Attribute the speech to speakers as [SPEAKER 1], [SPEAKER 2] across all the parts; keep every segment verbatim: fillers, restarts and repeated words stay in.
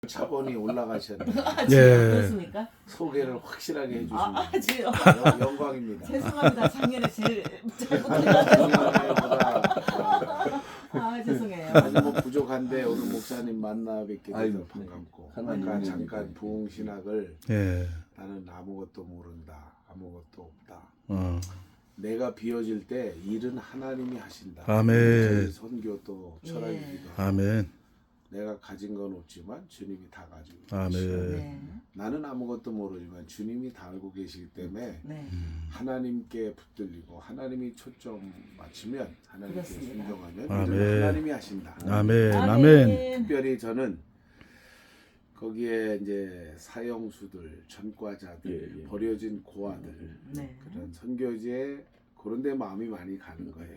[SPEAKER 1] 차번이 올라가셨네요.
[SPEAKER 2] 아,
[SPEAKER 3] 예.
[SPEAKER 2] 그렇습니까?
[SPEAKER 1] 소개를 확실하게 해주시면
[SPEAKER 2] 아, 아, 지금
[SPEAKER 1] 영- 영광입니다.
[SPEAKER 2] 죄송합니다. 작년에 제일 잘못해가지고.
[SPEAKER 1] 작년에보다
[SPEAKER 2] 아, 죄송해요.
[SPEAKER 1] 아주 뭐 부족한데 오늘 목사님 만나 뵙게
[SPEAKER 4] 아이고,
[SPEAKER 1] 돼서 반갑고
[SPEAKER 4] 하나님
[SPEAKER 1] 아까
[SPEAKER 4] 은혜니까.
[SPEAKER 1] 잠깐 부흥신학을
[SPEAKER 3] 예.
[SPEAKER 1] 나는 아무것도 모른다, 아무것도 없다.
[SPEAKER 3] 어.
[SPEAKER 1] 내가 비워질 때 일은 하나님이 하신다.
[SPEAKER 3] 아멘.
[SPEAKER 1] 저희 선교 또
[SPEAKER 2] 예.
[SPEAKER 1] 철학이기도 하고
[SPEAKER 3] 아멘.
[SPEAKER 1] 내가 가진 건 없지만 주님이 다 가지고
[SPEAKER 3] 아멘.
[SPEAKER 1] 계시고
[SPEAKER 2] 네.
[SPEAKER 1] 나는 아무것도 모르지만 주님이 다 알고 계시기 때문에
[SPEAKER 2] 네.
[SPEAKER 1] 하나님께 붙들리고 하나님이 초점 맞추면 하나님께
[SPEAKER 2] 그렇습니다.
[SPEAKER 1] 순종하면
[SPEAKER 3] 아멘.
[SPEAKER 1] 일은 하나님이 하신다.
[SPEAKER 3] 아멘. 아멘.
[SPEAKER 1] 특별히 저는 거기에 이제 사형수들, 전과자들,
[SPEAKER 4] 예, 예.
[SPEAKER 1] 버려진 고아들
[SPEAKER 2] 네.
[SPEAKER 1] 그런 선교지에 그런 데 마음이 많이 가는 거예요.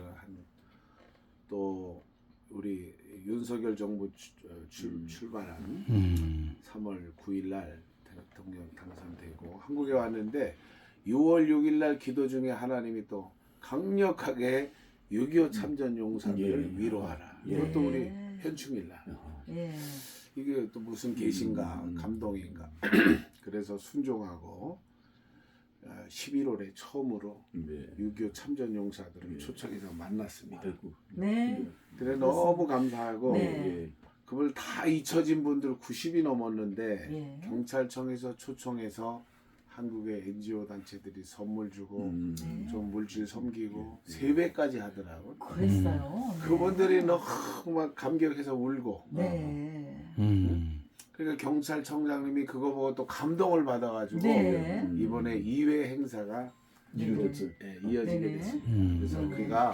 [SPEAKER 1] 그한또 우리 윤석열 정부 출, 출,
[SPEAKER 4] 음.
[SPEAKER 1] 출발한
[SPEAKER 3] 음.
[SPEAKER 1] 삼월 구일 날 대통령 당선되고 한국에 왔는데 유월 육일 날 기도 중에 하나님이 또 강력하게 육이오 참전 용사들을
[SPEAKER 4] 예.
[SPEAKER 1] 위로하라.
[SPEAKER 4] 예.
[SPEAKER 1] 이것도 우리 현충일 날.
[SPEAKER 2] 예.
[SPEAKER 1] 이게 또 무슨 계신가
[SPEAKER 4] 음.
[SPEAKER 1] 감동인가. 그래서 순종하고 십일월에 처음으로
[SPEAKER 4] 네.
[SPEAKER 1] 육이오 참전 용사들을
[SPEAKER 4] 예.
[SPEAKER 1] 초청해서 만났습니다.
[SPEAKER 4] 아이고.
[SPEAKER 2] 네.
[SPEAKER 1] 그래 너무 감사하고
[SPEAKER 2] 네.
[SPEAKER 4] 예.
[SPEAKER 1] 그걸 다 잊혀진 분들 구십이 넘었는데
[SPEAKER 2] 예.
[SPEAKER 1] 경찰청에서 초청해서 한국의 엔지오 단체들이 선물 주고
[SPEAKER 4] 음.
[SPEAKER 2] 네.
[SPEAKER 1] 좀 물질 섬기고
[SPEAKER 4] 예.
[SPEAKER 1] 세배까지 하더라고.
[SPEAKER 2] 그랬어요. 네.
[SPEAKER 1] 그분들이 너무 막 감격해서 울고.
[SPEAKER 2] 네.
[SPEAKER 3] 음.
[SPEAKER 1] 그러니까 경찰청장님이 그거 보고 또 감동을 받아가지고
[SPEAKER 2] 네.
[SPEAKER 1] 이번에 이 회 행사가
[SPEAKER 4] 이루어졌어.
[SPEAKER 1] 예, 이어지게
[SPEAKER 2] 네네.
[SPEAKER 1] 됐습니다.
[SPEAKER 3] 음.
[SPEAKER 1] 그래서
[SPEAKER 2] 네.
[SPEAKER 1] 우리가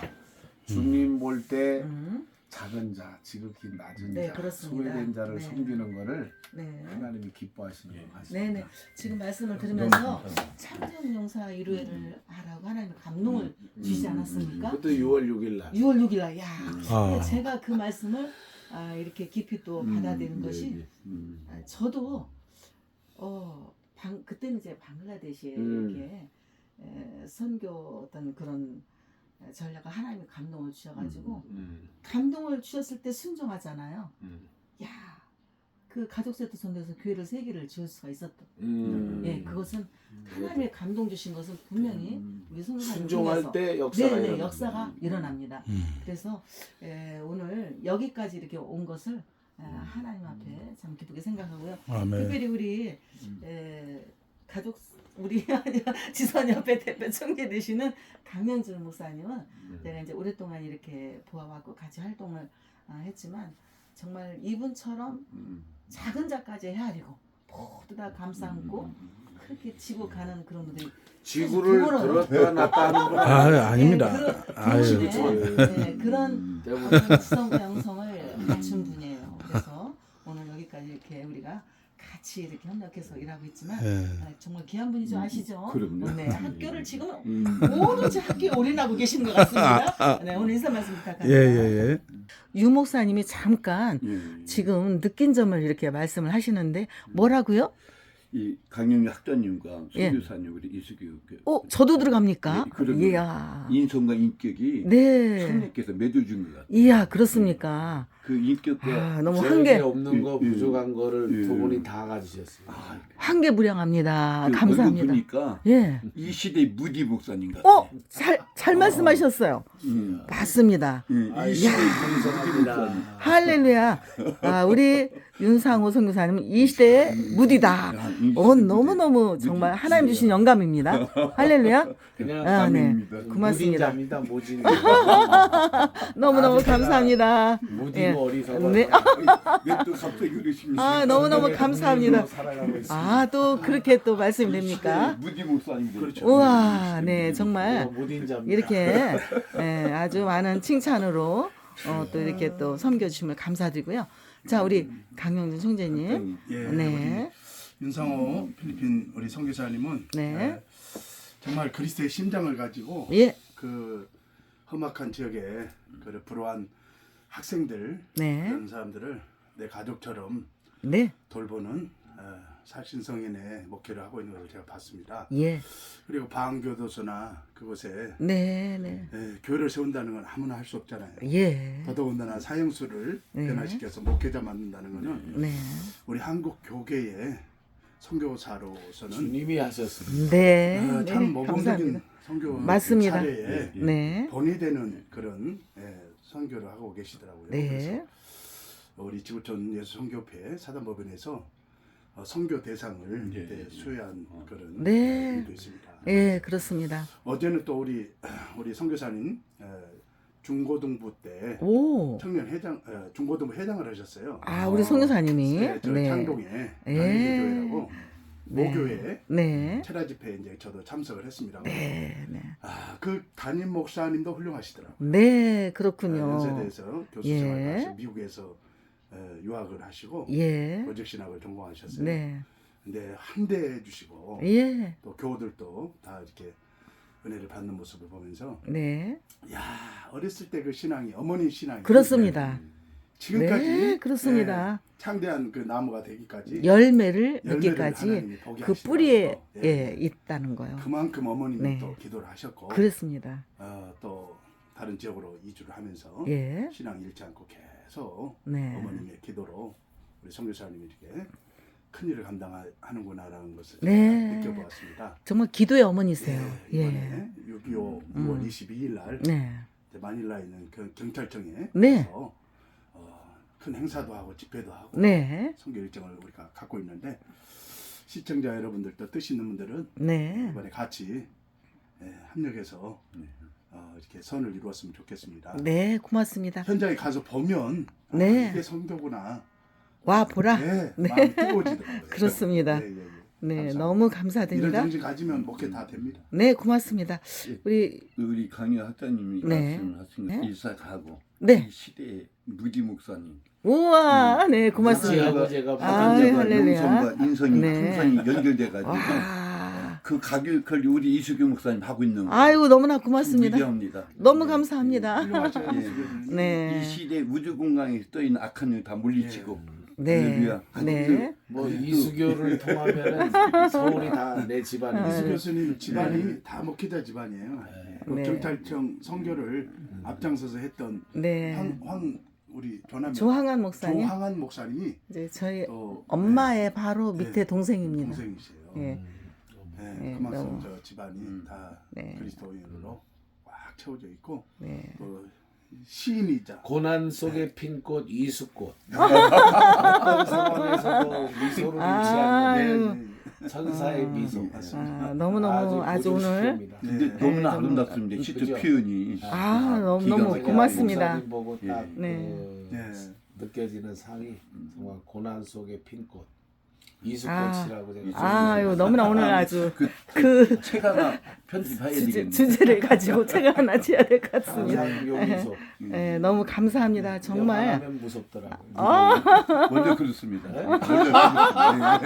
[SPEAKER 1] 주님 볼 때
[SPEAKER 2] 음.
[SPEAKER 1] 작은 자, 지극히 낮은
[SPEAKER 2] 네,
[SPEAKER 1] 자,
[SPEAKER 2] 그렇습니다.
[SPEAKER 1] 소외된 자를
[SPEAKER 2] 네.
[SPEAKER 1] 섬기는 거를
[SPEAKER 2] 네.
[SPEAKER 1] 하나님이 기뻐하시는 것 같습니다.
[SPEAKER 2] 네네. 지금 말씀을
[SPEAKER 4] 너무
[SPEAKER 2] 들으면서
[SPEAKER 4] 감사합니다.
[SPEAKER 2] 참전용사 일회를 하라고 하나님 감동을
[SPEAKER 4] 음.
[SPEAKER 2] 주시지
[SPEAKER 4] 음.
[SPEAKER 2] 않았습니까?
[SPEAKER 1] 그것도 유월 육일 날.
[SPEAKER 2] 유월 육일 날. 야.
[SPEAKER 3] 아.
[SPEAKER 2] 근데 제가 그 말씀을 아, 이렇게 깊이 또
[SPEAKER 4] 음.
[SPEAKER 2] 받아들인
[SPEAKER 4] 네,
[SPEAKER 2] 것이
[SPEAKER 4] 네. 음.
[SPEAKER 2] 아, 저도 어, 방, 그때는 이제 방글라데시에
[SPEAKER 1] 음.
[SPEAKER 2] 이렇게 에, 선교 어떤 그런 전략을 하나님이 감동을 주셔가지고
[SPEAKER 1] 음,
[SPEAKER 2] 감동을 주셨을 때 순종하잖아요.
[SPEAKER 1] 음,
[SPEAKER 2] 야, 그 가족세트 선교에서 교회를 세 개를 지을 수가 있었다.
[SPEAKER 1] 음.
[SPEAKER 2] 예, 그것은 하나님의 감동 주신 것은 분명히
[SPEAKER 4] 음.
[SPEAKER 2] 우리 성도사님
[SPEAKER 1] 순종할 때 역사가
[SPEAKER 2] 네네
[SPEAKER 1] 일어납니다.
[SPEAKER 2] 역사가 일어납니다.
[SPEAKER 3] 음.
[SPEAKER 2] 그래서 에, 오늘 여기까지 이렇게 온 것을 에, 하나님 앞에 참 기쁘게 생각하고요.
[SPEAKER 3] 아멘.
[SPEAKER 2] 특별히 우리 에, 가족 우리 지선 옆에 대표 총재 되시는 강현준 목사님은
[SPEAKER 1] 음.
[SPEAKER 2] 내가 이제 오랫동안 이렇게 보아왔고 같이 활동을 아, 했지만 정말 이분처럼
[SPEAKER 4] 음.
[SPEAKER 2] 작은 자까지 헤아리고 모두 다 감싸안고
[SPEAKER 4] 음.
[SPEAKER 2] 그렇게 지고 가는 그런 분들이
[SPEAKER 1] 지구를
[SPEAKER 2] 부모로-
[SPEAKER 1] 들었다 놨다 하는 분
[SPEAKER 3] 아, 아닙니다.
[SPEAKER 2] 네, 그런,
[SPEAKER 3] 아유.
[SPEAKER 2] 그런, 네, 그런
[SPEAKER 4] 음.
[SPEAKER 1] 대부분
[SPEAKER 2] 어떤 지성 양성을 갖춘 분이에요. 그래서 오늘 여기까지 이렇게 우리가 같이 이렇게 협력해서 일하고 있지만
[SPEAKER 3] 예.
[SPEAKER 2] 아, 정말 귀한 분이죠. 아시죠?
[SPEAKER 4] 그럼요.
[SPEAKER 2] 네, 학교를 지금
[SPEAKER 4] 음.
[SPEAKER 2] 모든지 학교에 올인하고 계시는 것 같습니다. 네, 오늘 인사 말씀
[SPEAKER 3] 예,
[SPEAKER 2] 부탁합니다.
[SPEAKER 3] 예, 예.
[SPEAKER 2] 유 목사님이 잠깐
[SPEAKER 4] 예.
[SPEAKER 2] 지금 느낀 점을 이렇게 말씀을 하시는데 뭐라고요?
[SPEAKER 4] 이 강영희 학자님과
[SPEAKER 2] 예.
[SPEAKER 4] 선교사님 우리 이수교 그
[SPEAKER 2] 어, 저도 들어갑니까?
[SPEAKER 4] 예, 그러면
[SPEAKER 2] 이야.
[SPEAKER 4] 인성과 인격이
[SPEAKER 2] 네.
[SPEAKER 4] 성령께서 맺어준 것 같아요.
[SPEAKER 2] 이야, 그렇습니까?
[SPEAKER 4] 그 인격과
[SPEAKER 2] 아, 너무
[SPEAKER 1] 제게
[SPEAKER 2] 한계
[SPEAKER 1] 없는 거
[SPEAKER 4] 예, 예.
[SPEAKER 1] 부족한 거를
[SPEAKER 4] 예.
[SPEAKER 1] 두 분이 다 가지셨어요.
[SPEAKER 4] 아,
[SPEAKER 2] 한계무량합니다.
[SPEAKER 4] 그
[SPEAKER 2] 감사합니다.
[SPEAKER 4] 얼굴 보니까
[SPEAKER 2] 예.
[SPEAKER 4] 이 시대의 무디 목사님 같아요.
[SPEAKER 2] 어, 잘, 잘 말씀하셨어요.
[SPEAKER 4] 음.
[SPEAKER 2] 맞습니다.
[SPEAKER 4] 음,
[SPEAKER 1] 아,
[SPEAKER 4] 이
[SPEAKER 1] 이
[SPEAKER 4] 시대의
[SPEAKER 1] 감사합니다.
[SPEAKER 2] 할렐루야. 아, 우리 윤상호 선교사님은 이 시대의 무디다. 어, 너무너무 정말 하나님 주신 영감입니다. 할렐루야.
[SPEAKER 1] 그냥
[SPEAKER 2] 아, 네.
[SPEAKER 4] 아멘입니다.
[SPEAKER 2] 고맙습니다.
[SPEAKER 1] 무딘자입니다. 모진.
[SPEAKER 2] 너무너무
[SPEAKER 1] 아주 제가
[SPEAKER 2] 감사합니다.
[SPEAKER 1] 무디고
[SPEAKER 2] 예.
[SPEAKER 1] 어리석어.
[SPEAKER 2] 네.
[SPEAKER 4] 왜또 갑자기 그러십니까?
[SPEAKER 2] 아, 너무너무 감사합니다.
[SPEAKER 1] 살아가고 있습니다.
[SPEAKER 2] 아, 또 그렇게 또 말씀이 됩니까?
[SPEAKER 4] 무디 목사님
[SPEAKER 1] 그렇죠.
[SPEAKER 2] 우와, 네, 정말
[SPEAKER 1] 무딘자입니다.
[SPEAKER 2] 이렇게 예, 아주 많은 칭찬으로 어, 또 이렇게 또 섬겨주심을 감사드리고요. 자, 우리 강영준 총재님.
[SPEAKER 5] 예,
[SPEAKER 2] 네.
[SPEAKER 5] 우리 윤상호 필리핀 우리 선교사님은
[SPEAKER 2] 네.
[SPEAKER 5] 예, 정말 그리스도의 심장을 가지고
[SPEAKER 2] 예.
[SPEAKER 5] 그 험악한 지역에 그 불우한 학생들
[SPEAKER 2] 네.
[SPEAKER 5] 그런 사람들을 내 가족처럼
[SPEAKER 2] 네.
[SPEAKER 5] 돌보는 어, 살신성인의 목회를 하고 있는 것을 제가 봤습니다.
[SPEAKER 2] 예.
[SPEAKER 5] 그리고 방교도소나 그곳에
[SPEAKER 2] 네, 네.
[SPEAKER 5] 예, 교회를 세운다는 건 아무나 할 수 없잖아요.
[SPEAKER 2] 예.
[SPEAKER 5] 더더군다나 사형수를
[SPEAKER 2] 네.
[SPEAKER 5] 변화시켜서 목회자 만든다는 것은
[SPEAKER 2] 네.
[SPEAKER 5] 우리 한국 교계의 선교사로서는
[SPEAKER 1] 주님이 하셨습니다.
[SPEAKER 2] 네.
[SPEAKER 5] 어,
[SPEAKER 2] 네.
[SPEAKER 5] 참 모범적인
[SPEAKER 2] 감사합니다.
[SPEAKER 5] 선교
[SPEAKER 2] 맞습니다.
[SPEAKER 5] 사례에
[SPEAKER 2] 네.
[SPEAKER 5] 본이 되는 그런 예, 선교를 하고 계시더라고요.
[SPEAKER 2] 네.
[SPEAKER 5] 그래서 우리 지구촌 예수 선교회 사단법인에서 어, 선교 대상을
[SPEAKER 4] 네.
[SPEAKER 5] 그때 수여한 그런
[SPEAKER 2] 네.
[SPEAKER 5] 일도 있습니다.
[SPEAKER 2] 예, 그렇습니다.
[SPEAKER 5] 어제는 또 우리 우리 선교사님 에, 중고등부 때
[SPEAKER 2] 오.
[SPEAKER 5] 청년 회장 에, 중고등부 회장을 하셨어요.
[SPEAKER 2] 아, 우리 송교사님이.
[SPEAKER 5] 네, 저
[SPEAKER 2] 네.
[SPEAKER 5] 창동에
[SPEAKER 2] 예.
[SPEAKER 5] 안리교회라고 모교회
[SPEAKER 2] 네.
[SPEAKER 5] 체라 집회에 이제 저도 참석을 했습니다.
[SPEAKER 2] 네. 네.
[SPEAKER 5] 아, 그 담임 목사님도 훌륭하시더라고요.
[SPEAKER 2] 네,
[SPEAKER 5] 어,
[SPEAKER 2] 그렇군요.
[SPEAKER 5] 연세대에서 교수 생활을
[SPEAKER 2] 예.
[SPEAKER 5] 하시고 미국에서 에, 유학을 하시고
[SPEAKER 2] 예.
[SPEAKER 5] 로직신학을 전공하셨어요.
[SPEAKER 2] 네.
[SPEAKER 5] 근데 한대해 주시고
[SPEAKER 2] 예.
[SPEAKER 5] 또 교우들도 다 이렇게 은혜를 받는 모습을 보면서
[SPEAKER 2] 네.
[SPEAKER 5] 야 어렸을 때 그 신앙이 어머니 신앙이
[SPEAKER 2] 그렇습니다.
[SPEAKER 5] 지금까지
[SPEAKER 2] 네, 그렇습니다.
[SPEAKER 5] 예, 창대한 그 나무가 되기까지
[SPEAKER 2] 열매를
[SPEAKER 5] 열매를
[SPEAKER 2] 맺기까지
[SPEAKER 5] 하나님이 보게
[SPEAKER 2] 그
[SPEAKER 5] 하시더라고요.
[SPEAKER 2] 뿌리에
[SPEAKER 5] 예.
[SPEAKER 2] 예, 있다는 거요.
[SPEAKER 5] 그만큼 어머님이
[SPEAKER 2] 네.
[SPEAKER 5] 또 기도를 하셨고
[SPEAKER 2] 그렇습니다.
[SPEAKER 5] 어, 또 다른 지역으로 이주를 하면서
[SPEAKER 2] 예.
[SPEAKER 5] 신앙 잃지 않고 계속
[SPEAKER 2] 네.
[SPEAKER 5] 어머님의 기도로 우리 선교사님이 이렇게 큰 일을 감당하는구나라는 것을
[SPEAKER 2] 네.
[SPEAKER 5] 제가 느껴보았습니다.
[SPEAKER 2] 정말 기도의 어머니세요.
[SPEAKER 5] 예,
[SPEAKER 2] 예.
[SPEAKER 5] 이번에 육이오
[SPEAKER 2] 음.
[SPEAKER 5] 유월 이십이일 날
[SPEAKER 2] 네.
[SPEAKER 5] 이제 마닐라에 있는 그 경찰청에
[SPEAKER 2] 네.
[SPEAKER 5] 가서 어, 큰 행사도 하고 집회도 하고
[SPEAKER 2] 네.
[SPEAKER 5] 선교 일정을 우리가 갖고 있는데 시청자 여러분들도 뜻 있는 분들은
[SPEAKER 2] 네.
[SPEAKER 5] 이번에 같이 예, 합력해서 어, 이렇게 선을 이루었으면 좋겠습니다.
[SPEAKER 2] 네, 고맙습니다.
[SPEAKER 5] 현장에 가서 보면 아,
[SPEAKER 2] 네.
[SPEAKER 5] 이게 선교구나.
[SPEAKER 2] 와 보라.
[SPEAKER 5] 네,
[SPEAKER 2] 네.
[SPEAKER 5] 마음이 뜨거워지더라고요.
[SPEAKER 2] 그렇습니다.
[SPEAKER 5] 네, 예, 예.
[SPEAKER 2] 네,
[SPEAKER 5] 감사합니다.
[SPEAKER 2] 너무
[SPEAKER 5] 이런
[SPEAKER 2] 감사드립니다.
[SPEAKER 5] 정신 가지면 목회 다 됩니다.
[SPEAKER 2] 네, 고맙습니다.
[SPEAKER 4] 예.
[SPEAKER 2] 우리
[SPEAKER 4] 우리 강의 학자님이
[SPEAKER 2] 네.
[SPEAKER 4] 말씀하신
[SPEAKER 2] 네.
[SPEAKER 4] 일사가고
[SPEAKER 2] 네.
[SPEAKER 4] 이 시대의 무디 목사님
[SPEAKER 2] 우와, 네, 고맙습니다.
[SPEAKER 1] 아버지하고 제가
[SPEAKER 2] 아,
[SPEAKER 4] 화단자가
[SPEAKER 2] 할렐루야.
[SPEAKER 4] 영성과 인성이
[SPEAKER 2] 네.
[SPEAKER 4] 풍성이 연결돼가지고
[SPEAKER 2] 아,
[SPEAKER 4] 그 가격을 우리 이수경 목사님 하고 있는 거
[SPEAKER 2] 아이고 너무나
[SPEAKER 4] 참
[SPEAKER 2] 고맙습니다.
[SPEAKER 4] 위대합니다.
[SPEAKER 2] 너무
[SPEAKER 4] 네.
[SPEAKER 2] 감사합니다.
[SPEAKER 5] 훌륭하셔요.
[SPEAKER 4] 예.
[SPEAKER 2] 네.
[SPEAKER 4] 이 시대 우주 공간에 떠 있는 악한 일 다 물리치고
[SPEAKER 2] 네,
[SPEAKER 4] 할렐루야.
[SPEAKER 2] 네.
[SPEAKER 1] 뭐 이수교를 통하면은 서울이 다 내 집안이
[SPEAKER 5] 이수
[SPEAKER 1] 있어요.
[SPEAKER 5] 교수님 집안이 다 목회자 집안이에요. 그
[SPEAKER 2] 네.
[SPEAKER 5] 경찰청 선교를 앞장서서 했던
[SPEAKER 2] 네.
[SPEAKER 5] 황, 황 우리 조남
[SPEAKER 2] 조항한 목사님,
[SPEAKER 5] 조항한 목사님이
[SPEAKER 2] 이제 저희
[SPEAKER 5] 또
[SPEAKER 2] 엄마의 바로 밑에
[SPEAKER 5] 네.
[SPEAKER 2] 동생입니다.
[SPEAKER 5] 동생이세요.
[SPEAKER 2] 예.
[SPEAKER 5] 네,
[SPEAKER 2] 네,
[SPEAKER 5] 그만큼
[SPEAKER 2] 너무-
[SPEAKER 5] 저 집안이 다
[SPEAKER 2] 네.
[SPEAKER 5] 그리스도인으로 꽉 채워져 있고
[SPEAKER 2] 네.
[SPEAKER 5] 또 시인이자
[SPEAKER 1] 고난 속에 핀 꽃 이수꽃. 어떤 상황에서도 미소를 잃지
[SPEAKER 2] 아유.
[SPEAKER 1] 않는 천사의 미소.
[SPEAKER 2] 아, 너무너무 아주 오늘
[SPEAKER 1] 고조시킵니다.
[SPEAKER 4] 근데
[SPEAKER 5] 네.
[SPEAKER 4] 너무나
[SPEAKER 2] 네,
[SPEAKER 4] 아름답습니다. 시트
[SPEAKER 1] 그죠?
[SPEAKER 4] 표현이
[SPEAKER 2] 아, 너무
[SPEAKER 4] 기가
[SPEAKER 2] 너무
[SPEAKER 4] 막혀요.
[SPEAKER 2] 고맙습니다.
[SPEAKER 1] 목사님 보고 딱
[SPEAKER 2] 네.
[SPEAKER 1] 그
[SPEAKER 5] 네.
[SPEAKER 1] 느껴지는 상이 정말 고난 속에 핀 꽃.
[SPEAKER 2] 아,
[SPEAKER 1] 이수꽃이라고 제가
[SPEAKER 2] 아유 너무나 오늘 아주
[SPEAKER 4] 그,
[SPEAKER 2] 그
[SPEAKER 4] 책 하나 편집해야
[SPEAKER 2] 주제,
[SPEAKER 4] 되겠네.
[SPEAKER 2] 주제를 가지고 책을 하나 지어야 될 것 같습니다.
[SPEAKER 1] 항상 요미소.
[SPEAKER 2] 네, 너무 감사합니다. 정말
[SPEAKER 1] 하면 무섭더라고요.
[SPEAKER 4] 원래 그렇습니다. 원래 그렇습니다.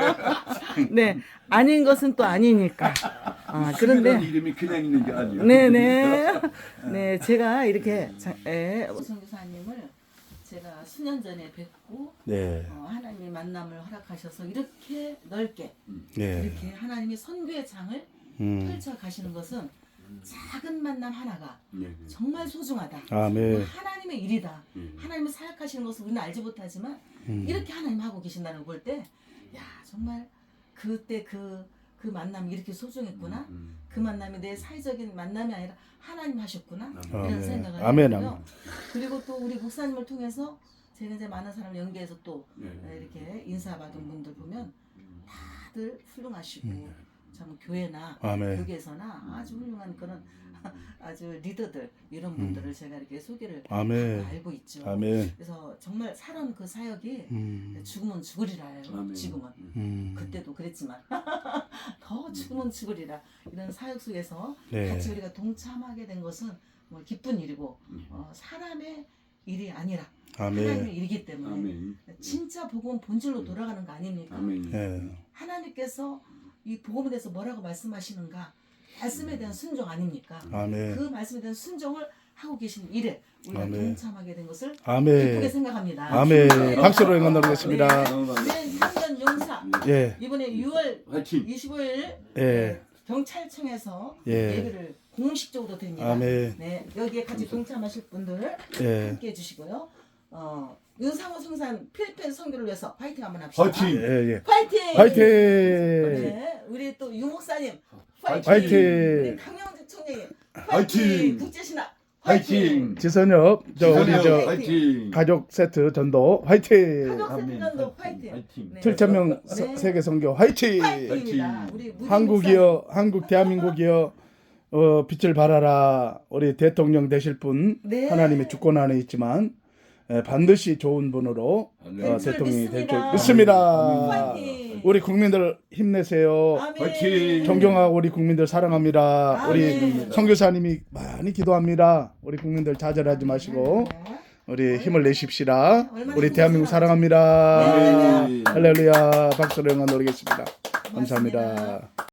[SPEAKER 2] 네 아닌 것은 또 아니니까. 아,
[SPEAKER 4] 그런데
[SPEAKER 2] 그런데
[SPEAKER 4] 이름이 그냥 있는 게 아니에요.
[SPEAKER 2] 네네 네 제가 이렇게 자, 예, 선교사님을 제가 수년 전에 뵙고
[SPEAKER 3] 네.
[SPEAKER 2] 어, 하나님의 만남을 허락하셔서 이렇게 넓게
[SPEAKER 3] 네.
[SPEAKER 2] 이렇게 하나님의 선교의 장을
[SPEAKER 3] 음.
[SPEAKER 2] 펼쳐 가시는 것은 작은 만남 하나가
[SPEAKER 4] 네.
[SPEAKER 2] 정말 소중하다.
[SPEAKER 3] 아멘.
[SPEAKER 2] 하나님의 일이다.
[SPEAKER 4] 음.
[SPEAKER 2] 하나님을 사역하시는 것을 우리는 알지 못하지만
[SPEAKER 3] 음.
[SPEAKER 2] 이렇게 하나님 하고 계신다는 걸 볼 때, 야 정말 그때 그, 그 만남이 이렇게 소중했구나.
[SPEAKER 4] 음.
[SPEAKER 2] 그 만남이 내 사회적인 만남이 아니라 하나님 하셨구나. 이런
[SPEAKER 3] 아멘.
[SPEAKER 2] 생각을
[SPEAKER 3] 아멘,
[SPEAKER 2] 하고요.
[SPEAKER 3] 아멘.
[SPEAKER 2] 그리고 또 우리 목사님을 통해서 제가 이제 많은 사람을 연계해서 또
[SPEAKER 4] 네.
[SPEAKER 2] 이렇게 인사받은 분들 보면 다들 훌륭하시고
[SPEAKER 3] 음.
[SPEAKER 2] 참 교회나
[SPEAKER 3] 아멘.
[SPEAKER 2] 교계에서나 아주 훌륭한 그런 아주 리더들 이런 분들을 제가 이렇게 소개를
[SPEAKER 3] 아멘.
[SPEAKER 2] 하고 알고 있죠.
[SPEAKER 3] 아멘.
[SPEAKER 2] 그래서 정말 살아온 그 사역이
[SPEAKER 3] 음.
[SPEAKER 2] 죽으면 죽으리라요.
[SPEAKER 4] 아멘.
[SPEAKER 2] 지금은
[SPEAKER 3] 음.
[SPEAKER 2] 그때도 그랬지만 더 죽으면 죽으리라 이런 사역 속에서
[SPEAKER 3] 네.
[SPEAKER 2] 같이 우리가 동참하게 된 것은 뭐 기쁜 일이고 어, 사람의 일이 아니라 하나님의
[SPEAKER 3] 아멘.
[SPEAKER 2] 일이기 때문에
[SPEAKER 4] 아멘.
[SPEAKER 2] 진짜 복음은 본질로 돌아가는 거 아닙니까?
[SPEAKER 4] 아멘.
[SPEAKER 3] 네.
[SPEAKER 2] 하나님께서 이 복음에 대해서 뭐라고 말씀하시는가? 말씀에 대한 순종 아닙니까?
[SPEAKER 3] 아멘.
[SPEAKER 2] 그 말씀에 대한 순종을 하고 계신 일에 우리가
[SPEAKER 3] 아멘.
[SPEAKER 2] 동참하게 된 것을 기쁘게
[SPEAKER 3] 아멘.
[SPEAKER 2] 생각합니다.
[SPEAKER 3] 아멘. 박수로 응원 드리겠습니다.
[SPEAKER 2] 네, 네, 향전 용사
[SPEAKER 3] 예.
[SPEAKER 2] 이번에 유월
[SPEAKER 4] 화이팅.
[SPEAKER 2] 이십오일
[SPEAKER 3] 예.
[SPEAKER 2] 경찰청에서
[SPEAKER 3] 예.
[SPEAKER 2] 예배를 공식적으로 드립니다.
[SPEAKER 3] 아멘.
[SPEAKER 2] 네, 여기에 같이 동참하실 분들
[SPEAKER 3] 예.
[SPEAKER 2] 함께 해주시고요. 어, 윤상호 성산 필리핀 선교를 위해서 파이팅 한번 합시다.
[SPEAKER 4] 화이팅.
[SPEAKER 3] 예, 예.
[SPEAKER 2] 파이팅!
[SPEAKER 3] 화이팅!
[SPEAKER 2] 네, 우리 또 유 목사님 파이팅!
[SPEAKER 3] 화이팅!
[SPEAKER 2] 우리 강영재 총장님 파이팅!
[SPEAKER 4] 화이팅!
[SPEAKER 2] 국제신학
[SPEAKER 4] 화이팅.
[SPEAKER 3] 지선엽 저 우리
[SPEAKER 4] 지선엽,
[SPEAKER 3] 저
[SPEAKER 4] 화이팅.
[SPEAKER 3] 가족 세트 전도 화이팅!
[SPEAKER 2] 가족
[SPEAKER 4] 아멘.
[SPEAKER 2] 세트전도 파이팅!
[SPEAKER 4] 화이팅.
[SPEAKER 2] 네.
[SPEAKER 3] 칠천 명
[SPEAKER 2] 네.
[SPEAKER 3] 세계 선교 화이팅!
[SPEAKER 2] 파이팅입니다. 우리 무진
[SPEAKER 3] 한국이여 한국 대한민국이여 어, 빛을 발하라. 우리 대통령 되실 분
[SPEAKER 2] 네.
[SPEAKER 3] 하나님의 주권 안에 있지만 에, 반드시 좋은 분으로
[SPEAKER 4] 아멘.
[SPEAKER 3] 어,
[SPEAKER 2] 될 줄
[SPEAKER 3] 대통령이 될 줄
[SPEAKER 2] 믿습니다.
[SPEAKER 3] 믿습니다.
[SPEAKER 2] 파이팅!
[SPEAKER 3] 우리 국민들 힘내세요.
[SPEAKER 2] 아멘.
[SPEAKER 4] 화이팅!
[SPEAKER 3] 존경하고 우리 국민들 사랑합니다. 우리
[SPEAKER 2] 아멘.
[SPEAKER 3] 선교사님이 많이 기도합니다. 우리 국민들 좌절하지 마시고 우리 힘을 내십시다.
[SPEAKER 2] 얼마나
[SPEAKER 3] 우리 대한민국
[SPEAKER 2] 힘들어서
[SPEAKER 3] 사랑합니다.
[SPEAKER 2] 네.
[SPEAKER 3] 할렐루야. 박수로 영광 돌리겠습니다.
[SPEAKER 2] 고맙습니다.
[SPEAKER 3] 감사합니다.